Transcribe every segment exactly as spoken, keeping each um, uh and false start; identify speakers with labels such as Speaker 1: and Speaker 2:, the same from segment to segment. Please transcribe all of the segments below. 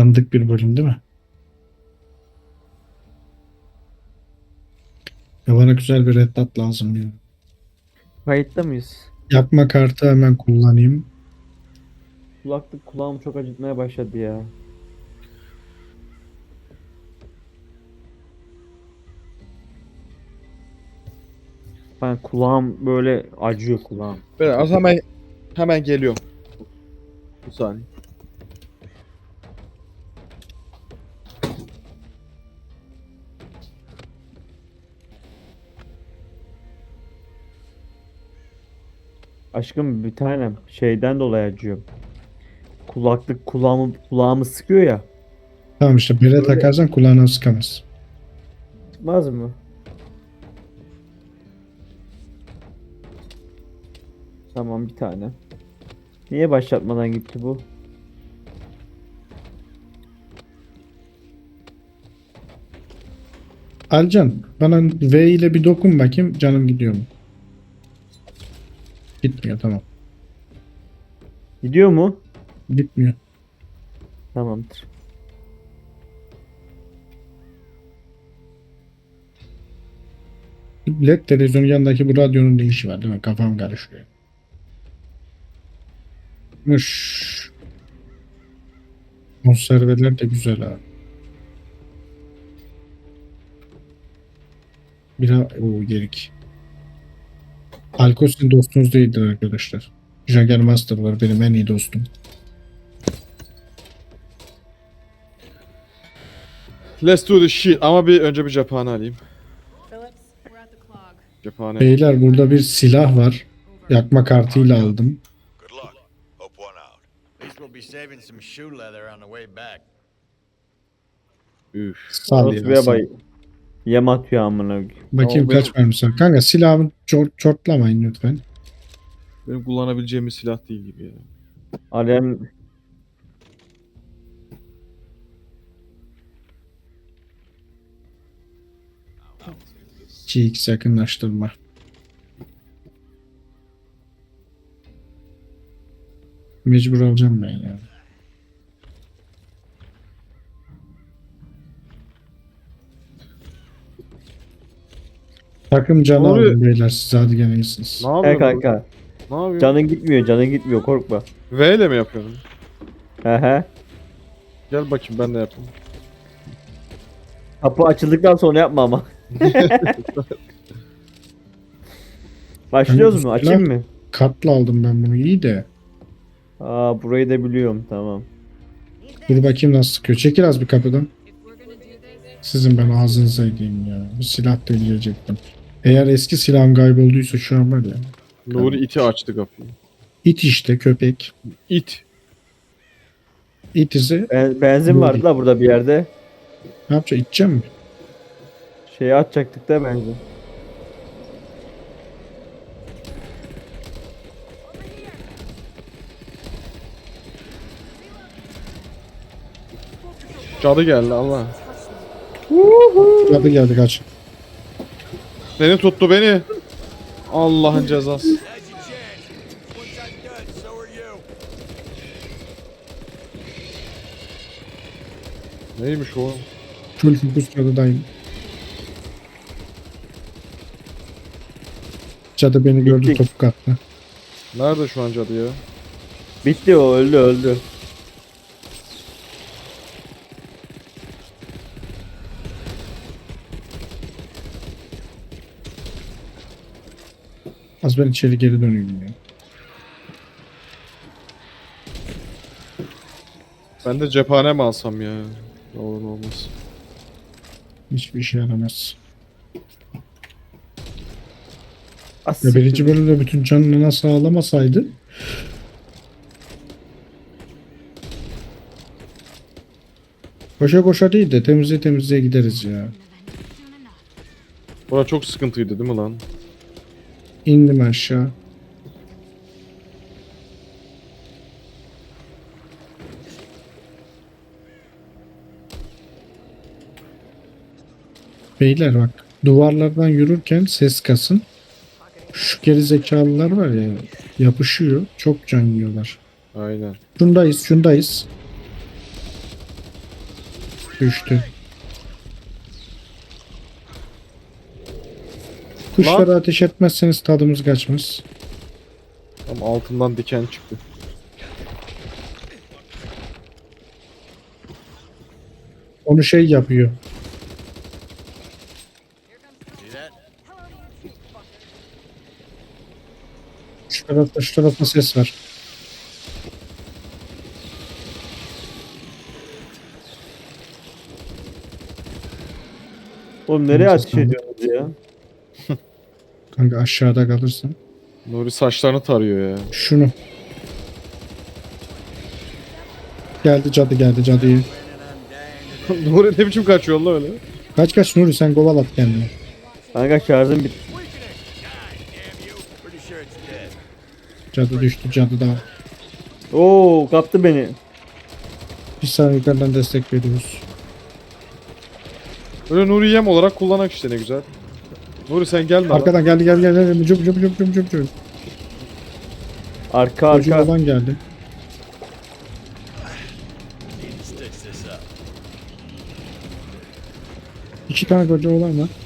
Speaker 1: Dandik bir bölüm değil mi? Ya bana güzel bir red dot lazım ya.
Speaker 2: Kayıtta mıyız?
Speaker 1: Yakma kartı hemen kullanayım.
Speaker 2: Kulaklık kulağımı çok acıtmaya başladı ya. Ben kulağım böyle acıyor kulağım.
Speaker 3: Ben az hemen hemen geliyorum. Bir saniye.
Speaker 2: Aşkım bir tanem şeyden dolayı acıyorum. Kulaklık kulağımı kulağımı sıkıyor ya.
Speaker 1: Tamam işte bere
Speaker 2: Böyle-
Speaker 1: takarsan kulağına sıkamaz.
Speaker 2: Çıkmaz mı? Tamam bir tane. Niye başlatmadan gitti bu?
Speaker 1: Alcan bana V ile bir dokun bakayım canım gidiyor mu? Gitmiyor tamam.
Speaker 2: Gidiyor mu?
Speaker 1: Gitmiyor.
Speaker 2: Tamamdır.
Speaker 1: L E D televizyonun yanındaki bu radyonun ne işi var değil mi? Kafam karışıyor. Mış. Konserveler de güzel ha. Bira o gerik. Alkol sizin dostunuz değildir arkadaşlar. Jagger Master var benim en iyi dostum.
Speaker 3: Let's do this shit. Ama bir önce bir cephane alayım.
Speaker 4: Phillips, we're at the clog.
Speaker 3: Cephane.
Speaker 1: Beyler burada bir silah var. Yakma kartıyla aldım.
Speaker 5: Good luck. Hope one out. At least we'll be saving some shoe leather on the way back.
Speaker 3: Üf.
Speaker 1: Sal
Speaker 2: Orası
Speaker 1: ya,
Speaker 2: bir
Speaker 1: sal.
Speaker 2: bay. Yem atıyor amına koyayım.
Speaker 1: Bakayım
Speaker 3: Ama
Speaker 1: kaç mermisi var. Kanka silahımı çor çortlamayın lütfen.
Speaker 3: Benim kullanabileceğim bir silah değil gibi ya.
Speaker 2: Alem
Speaker 1: iki x yakınlaştırma. Mecbur alacağım ben ya. Takım canı
Speaker 3: Ne oluyor?
Speaker 1: alın beyler siz hadi gene iyisiniz.
Speaker 3: Ne
Speaker 2: he
Speaker 3: yapıyorsun?
Speaker 2: kanka.
Speaker 3: Ne yapıyorsun?
Speaker 2: Canın gitmiyor, canın gitmiyor korkma.
Speaker 3: V ile mi yapıyorsun?
Speaker 2: He he.
Speaker 3: Gel bakayım ben de yapayım.
Speaker 2: Kapı açıldıktan sonra yapma ama. Başlıyoruz mu? Açayım mı?
Speaker 1: Katla aldım ben bunu iyi de.
Speaker 2: Aa burayı da biliyorum tamam.
Speaker 1: Dur bakayım nasıl sıkıyor. Çekil az bir kapıdan.
Speaker 4: If we're gonna do this,
Speaker 1: Sizin ben ağzınıza edeyim ya. Bu silah da diyecektim. Eğer eski silahım kaybolduysa şu an var ya.
Speaker 3: Nuri iti açtı kapıyı.
Speaker 1: İt işte köpek.
Speaker 3: İt.
Speaker 1: İt izi
Speaker 2: Ben, benzin vardı da burada bir yerde.
Speaker 1: ne yapacak? İteceğim mi?
Speaker 2: Şeyi atacaktık da benzin.
Speaker 3: Cadı geldi Allah.
Speaker 1: Hadi geldi kaç.
Speaker 3: Beni tuttu beni. Allah'ın cezası.
Speaker 5: Now's your chance. Once I'm done, so are you.
Speaker 3: Neymiş o?
Speaker 1: Full fokus cadıdayım. Cadı beni gördü
Speaker 2: Bittik.
Speaker 1: topuk attı.
Speaker 3: Nerede şu an cadı ya?
Speaker 2: Bitti o öldü öldü.
Speaker 1: Az ben içeri geri döneyim ya.
Speaker 3: Ben de cephane mi alsam ya? Ne olur ne olmaz.
Speaker 1: Hiçbir işe yaramaz.
Speaker 2: As
Speaker 1: Ya
Speaker 2: siktir.
Speaker 1: birinci bölümde bütün canını nasıl ağlamasaydı koşa koşa değil de temizliğe temizliğe gideriz ya.
Speaker 3: Bura çok sıkıntıydı değil mi lan?
Speaker 1: İndim aşağı. Beyler bak duvarlardan yürürken ses kasın. Şu geri zekalılar var ya yapışıyor. Çok can yiyorlar.
Speaker 3: Aynen.
Speaker 1: Şundayız şundayız. Düştü. Kuşlara ateş etmezseniz tadımız kaçmaz.
Speaker 3: Tam altından diken çıktı.
Speaker 1: Onu şey yapıyor.
Speaker 5: See that?
Speaker 1: Şu tarafta şu tarafta ses var.
Speaker 2: Oğlum nereye
Speaker 1: Neyse,
Speaker 2: ateş
Speaker 1: tamam.
Speaker 2: ediyorsunuz ya?
Speaker 1: Kanka aşağıda kalırsın.
Speaker 3: Nuri saçlarını tarıyor ya.
Speaker 1: Şunu. Geldi cadı geldi cadıyı.
Speaker 3: Nuri ne biçim kaçıyor lan öyle?
Speaker 1: Kaç kaç Nuri sen kovalat kendini.
Speaker 2: Kanka şarjım bitti.
Speaker 5: God damn you. Pretty sure it's dead.
Speaker 1: Cadı düştü cadı da.
Speaker 2: Oo kaptı beni.
Speaker 1: Bir saniye yukarıdan destek veriyoruz.
Speaker 3: Öyle Nuri yem olarak kullanak işte ne güzel. Nuri sen gelme lan.
Speaker 1: Arkadan geldi geldi geldi. geldi. Cüp cüp cüp cüp cüp cüp.
Speaker 2: Arka
Speaker 1: Koca
Speaker 2: arka.
Speaker 1: olan geldi.
Speaker 5: Need to stitch this up.
Speaker 1: İki tane koca olan var.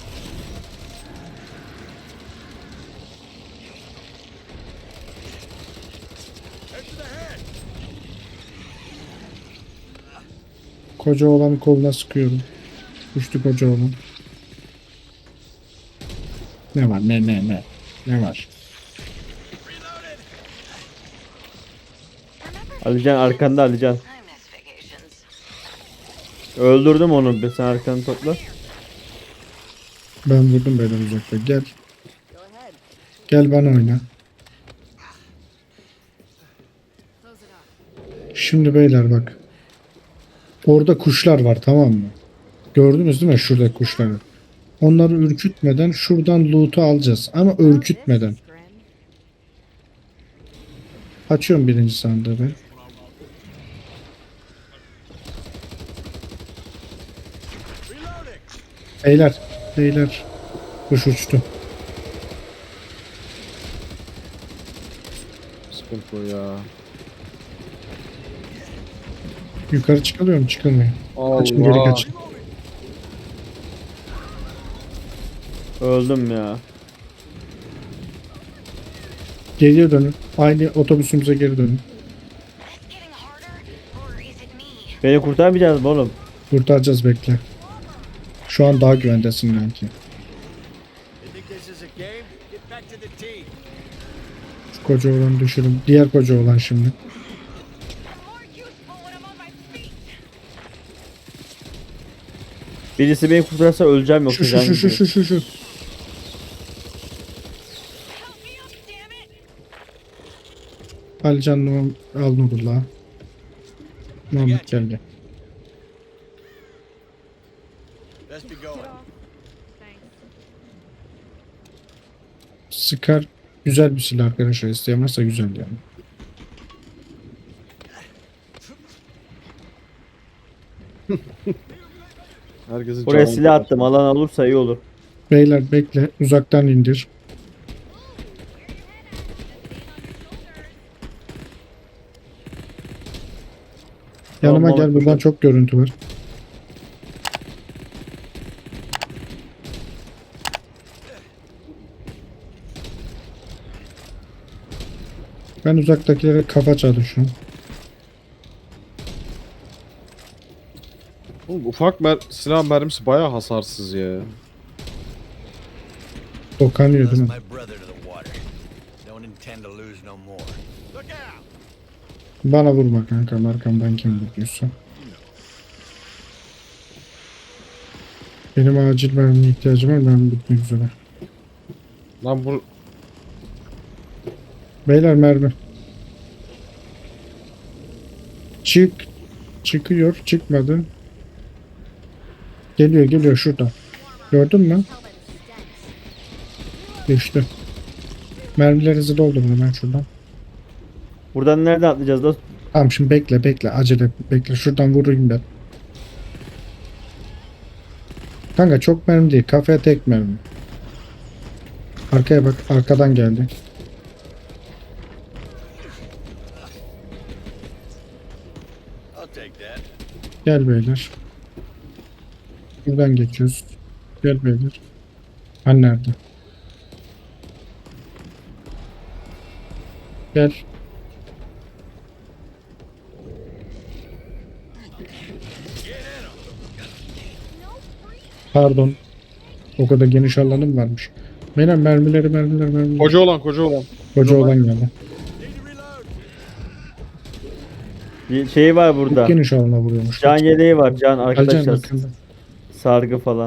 Speaker 1: Koca olanın koluna sıkıyorum. Düştü koca olan. Ne var ne ne ne. Ne var?
Speaker 2: Alican arkanda Alican. Öldürdüm onu. Bir sen arkanı topla.
Speaker 1: Ben vurdum böyle uzakta. Gel. Gel bana oyna.
Speaker 4: Close it up.
Speaker 1: Şimdi beyler bak. Orada kuşlar var tamam mı? Gördünüz değil mi şurada kuşları? Onları ürkütmeden şuradan loot'u alacağız. Ama ürkütmeden.
Speaker 4: Grim.
Speaker 1: Açıyorum birinci sandığı ben. Beyler. Beyler. Kuş uçtu.
Speaker 3: Sıkıntı o ya.
Speaker 1: Yukarı çıkılıyor mu? Çıkılmıyor. Kaçın geri
Speaker 3: Allah.
Speaker 1: kaçın.
Speaker 2: Öldüm ya.
Speaker 1: Geriye dönün. Aynı otobüsümüze geri dönün.
Speaker 6: Getting harder, or is it me?
Speaker 2: Beni kurtarmayacağız mı oğlum?
Speaker 1: Kurtaracağız bekle. Şu an daha güvendesin belki.
Speaker 5: You think this is a game? Get back to the team.
Speaker 1: Şu koca olanı düşürün. Diğer koca olan şimdi.
Speaker 6: I'm more useful when I'm on my feet.
Speaker 2: Birisi beni kurtarsa öleceğim yoksa
Speaker 1: Şu şu
Speaker 2: canım
Speaker 1: şu şu
Speaker 2: gidiyor.
Speaker 1: şu şu şu.
Speaker 6: Help me up, damn it!
Speaker 1: Alican Numan al Nurullah. Muhammed gel gel.
Speaker 5: Let's be going.
Speaker 4: Thanks.
Speaker 1: Scar güzel bir silah arkadaşlar. İsteyen varsa güzel yani.
Speaker 3: Herkesin
Speaker 2: Buraya
Speaker 3: canı-
Speaker 2: silah attım. Alan olursa iyi olur.
Speaker 1: Beyler bekle. Uzaktan indir. Yanıma
Speaker 2: Tamam,
Speaker 1: gel.
Speaker 2: tamam.
Speaker 1: Buradan çok görüntü var. Ben uzaktakilere kafa çalışıyorum.
Speaker 3: Oğlum, ufak mer silah mermisi bayağı hasarsız ya.
Speaker 1: Dokanıyor
Speaker 5: Lost
Speaker 1: değil mi?
Speaker 5: my brother to the water. Don't intend to lose no more. Look out!
Speaker 1: Bana vurma kanka. Arkamdan kim vuruyorsa. Benim acil mermiye ihtiyacım var. Mermi bitmek üzere.
Speaker 3: Lan bu
Speaker 1: Beyler mermi. Çık. Çıkıyor. Çıkmadı. Geliyor geliyor şurada. Gördün mü? Düştü. Mermilerinizi doldurun hemen şuradan.
Speaker 2: Buradan nereden atlayacağız da?
Speaker 1: Tamam şimdi bekle bekle acele bekle şuradan vurayım ben. Kanka çok mermi değil kafaya tek mermi. Arkaya bak arkadan geldi.
Speaker 5: I'll take that.
Speaker 1: Gel beyler. Buradan geçiyoruz. Gel beyler. Han nerede? Gel. Pardon. O kadar geniş alanım varmış. Benim mermileri mermileri mermileri.
Speaker 3: Koca olan koca olan.
Speaker 1: Koca olan geldi.
Speaker 2: Bir şey var burada.
Speaker 1: Çok geniş alana vuruyormuş.
Speaker 2: Can yeleği var. Can
Speaker 1: Alcan
Speaker 2: arkadaşlar.
Speaker 1: yakında.
Speaker 2: Sargı falan.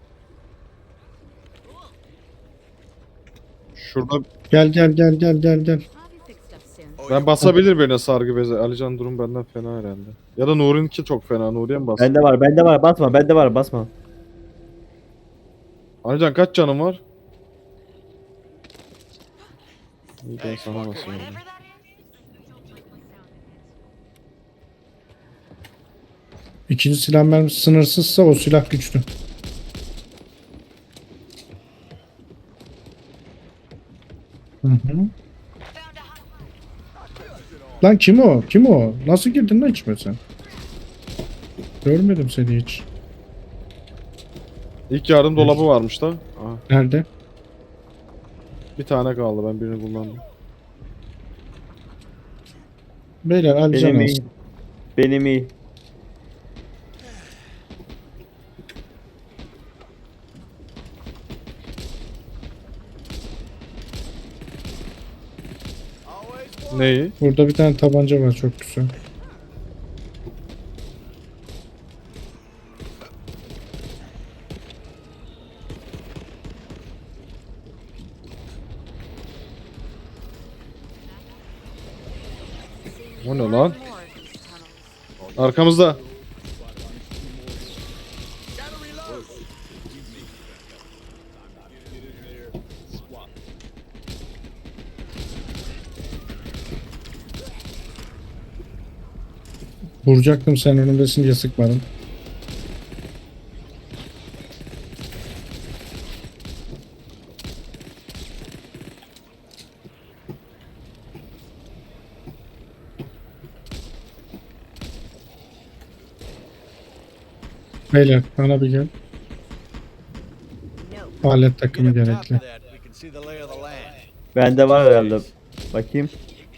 Speaker 3: Şurada
Speaker 1: Gel gel gel gel gel gel.
Speaker 6: I'll be fixed up soon.
Speaker 5: Oh,
Speaker 3: ben basabilir birine sargı bezi. Alican durum benden fena herhalde. Ya da Nuri'ninki çok fena. Nuri'ye mi bas?
Speaker 2: Bende var. Bende var. Basma. Bende var. Basma.
Speaker 3: Alican kaç canın var? İyi ben sana basıyorum.
Speaker 6: Whatever that is.
Speaker 1: İkinci silah mermisi sınırsızsa o silah güçlü. Hı hı. Lan kim o? Kim o? Nasıl girdin lan içime sen? Görmedim seni hiç.
Speaker 3: İlk yardım dolabı varmış da. Aha,
Speaker 1: Nerede?
Speaker 3: bir tane kaldı ben birini kullandım.
Speaker 1: Beyler Alican
Speaker 2: Benim iyi.
Speaker 1: alsın.
Speaker 2: Benim iyi.
Speaker 3: Neyi?
Speaker 1: Burada bir tane tabanca var çok güzel.
Speaker 3: O ne lan?
Speaker 6: More of these tunnels.
Speaker 3: Arkamızda.
Speaker 1: Vuracaktım sen önümdesin diye sıkmadım. Beyler bana bir gel. Alet takımı
Speaker 5: Get up top
Speaker 1: gerekli.
Speaker 5: of that, we can see the lay of the land.
Speaker 2: Bende var herhalde. Bakayım.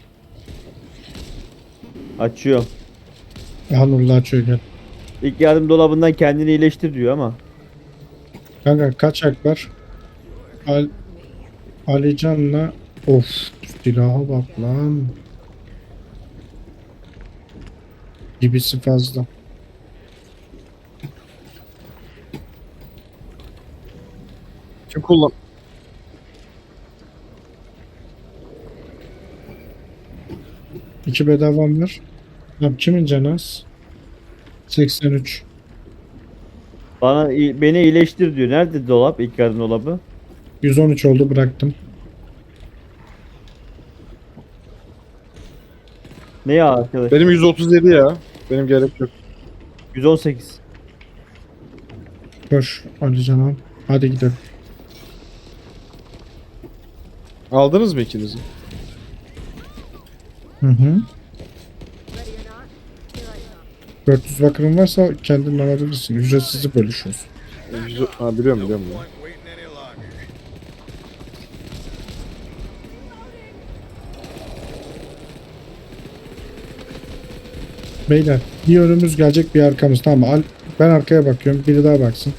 Speaker 2: Açıyorum.
Speaker 1: Hanurla açıyor gel.
Speaker 2: İlk yardım dolabından kendini iyileştir diyor ama.
Speaker 1: Kanka kaç hak var? Al Alican'la of silaha bak lan. Gibisi fazla.
Speaker 3: Kim kullan?
Speaker 1: İki bedavam var. Lan kimin canı az? seksen üç.
Speaker 2: Bana i- beni iyileştir diyor. Nerede dolap? İlk yardım dolabı.
Speaker 1: yüz on üç oldu bıraktım.
Speaker 2: Ne ya arkadaş?
Speaker 3: Benim yüz otuz yedi ya. Benim gerek yok.
Speaker 2: yüz on sekiz.
Speaker 1: Koş Alican al. Hadi gidelim.
Speaker 3: Aldınız mı ikinizi?
Speaker 1: Hı hı. dört yüz bakırın varsa kendin alabilirsin. Ücretsiz bölüşüyoruz.
Speaker 3: E, yüz- Ha biliyorum biliyorum. ya.
Speaker 5: Point waiting any longer.
Speaker 1: Beyler bir önümüz gelecek bir arkamız tamam mı? Al, ben arkaya bakıyorum biri daha baksın.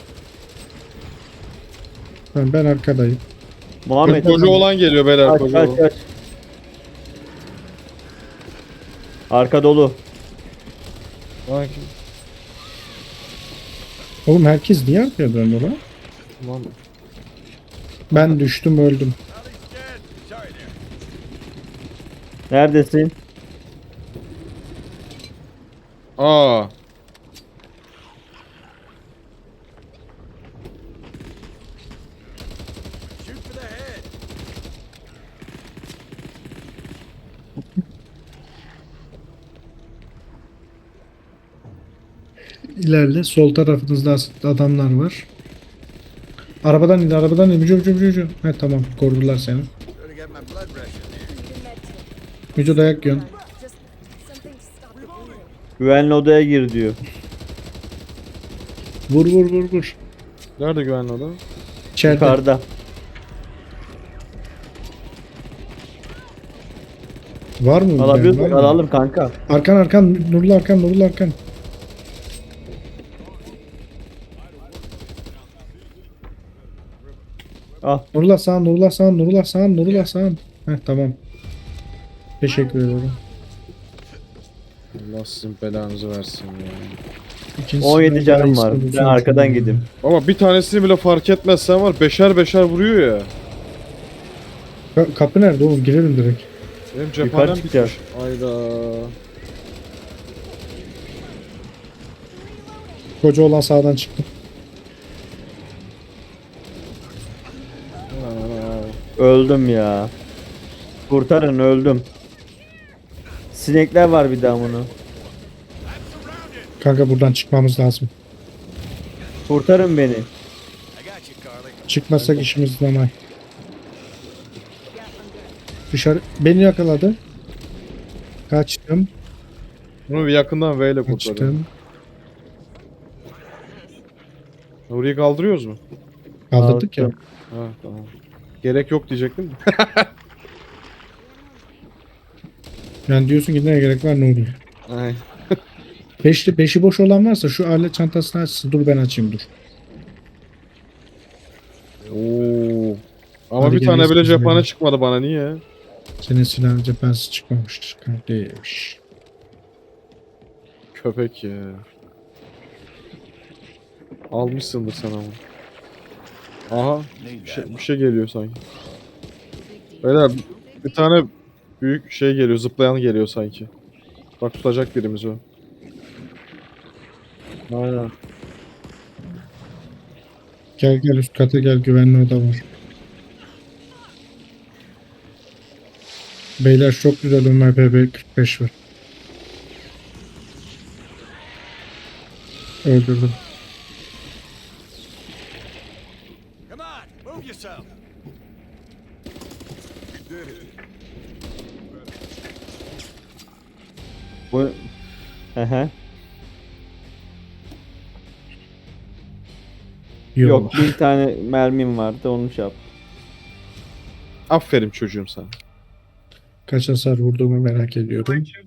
Speaker 1: Ben, ben arkadayım.
Speaker 2: Muhammed.
Speaker 3: Koca olan geliyor beyler.
Speaker 2: Kaç
Speaker 3: Koca
Speaker 2: kaç
Speaker 3: olan.
Speaker 2: kaç. Arka dolu.
Speaker 3: Ha, kim-
Speaker 1: Oğlum herkes niye arkaya döndü lan?
Speaker 3: Tamam.
Speaker 1: Ben düştüm öldüm.
Speaker 5: Well, he's dead. Sorry there.
Speaker 2: Neredesin?
Speaker 3: Aa.
Speaker 5: Shoot for the head.
Speaker 1: İlerle sol tarafınızda adamlar var. Arabadan in arabadan in. Müco müco müco, müco. He tamam korudular seni.
Speaker 5: Gotta get my blood pressure there.
Speaker 1: Müco dayak yiyorsun.
Speaker 2: Güvenli odaya gir diyor.
Speaker 1: Vur vur vur vur.
Speaker 3: Nerede güvenli adam?
Speaker 1: İçeride.
Speaker 2: Yukarıda.
Speaker 1: Var mı?
Speaker 2: Alabiliyorsak
Speaker 1: Var mı?
Speaker 2: alalım kanka.
Speaker 1: Arkan arkan. Nurlu arkan. Nurlu arkan.
Speaker 2: Al.
Speaker 1: Nurullah sağın. Nurullah sağın. Nurullah sağın. Nurullah sağın. Heh tamam. Teşekkür ederim.
Speaker 3: Allah sizin belanızı versin ya.
Speaker 1: İkincisi
Speaker 2: on yedi
Speaker 1: ben
Speaker 2: canım
Speaker 1: daha
Speaker 2: var.
Speaker 1: iyisini
Speaker 2: Ben
Speaker 1: bulsam
Speaker 2: arkadan
Speaker 1: çok iyi.
Speaker 2: gideyim.
Speaker 3: Ama bir tanesini bile fark etmezsen var beşer beşer vuruyor ya.
Speaker 1: Ka- kapı nerede oğlum? Girelim direkt.
Speaker 3: Benim cephanem
Speaker 2: çıkacağız.
Speaker 3: bitmiş. Ayda.
Speaker 1: Koca olan sağdan çıktı.
Speaker 2: Öldüm ya. Kurtarın, öldüm. Sinekler var bir daha bunu.
Speaker 1: Kanka buradan çıkmamız lazım.
Speaker 2: Kurtarın beni.
Speaker 5: I got you, Carly.
Speaker 1: Çıkmazsak işimiz zaman. Dışarı beni yakaladı. Kaçtım.
Speaker 3: Bunu bir yakından V ile kurtarın.
Speaker 1: Kaçtım.
Speaker 3: Nuri'yi kaldırıyoruz mu?
Speaker 1: Kaldırdık ya.
Speaker 2: Aldım.
Speaker 3: Ha tamam. Gerek yok diyecektim de.
Speaker 1: Yani diyorsun ki ne gerek var Nuri?
Speaker 3: Ay.
Speaker 1: Beşli, beşi boş olan varsa şu alet çantasını açsın. Dur ben açayım dur.
Speaker 3: Oo. Ama
Speaker 1: Hadi
Speaker 3: bir tane
Speaker 1: geliyoruz
Speaker 3: bile
Speaker 1: biz
Speaker 3: cephane
Speaker 1: böyle.
Speaker 3: çıkmadı bana niye?
Speaker 1: Senin silahın cephanesi çıkmamıştır kardeş.
Speaker 3: Köpek ya. Almışsındır sen ama. Aha. Bir şey, bir şey geliyor sanki. Beyler bir tane büyük şey geliyor, zıplayan geliyor sanki. Bak tutacak birimiz o. Aynen.
Speaker 1: Gel gel üst kata gel, güvenli oda var. Beyler çok güzel M P B kırk beş var. Öldürdüm.
Speaker 5: Come on, move yourself.
Speaker 2: Bu... Ehe.
Speaker 1: Yok.
Speaker 2: Yok, bir tane mermim vardı, onu şey yap.
Speaker 3: Aferin çocuğum sana.
Speaker 1: Kaç hasar vurduğumu merak ediyorum.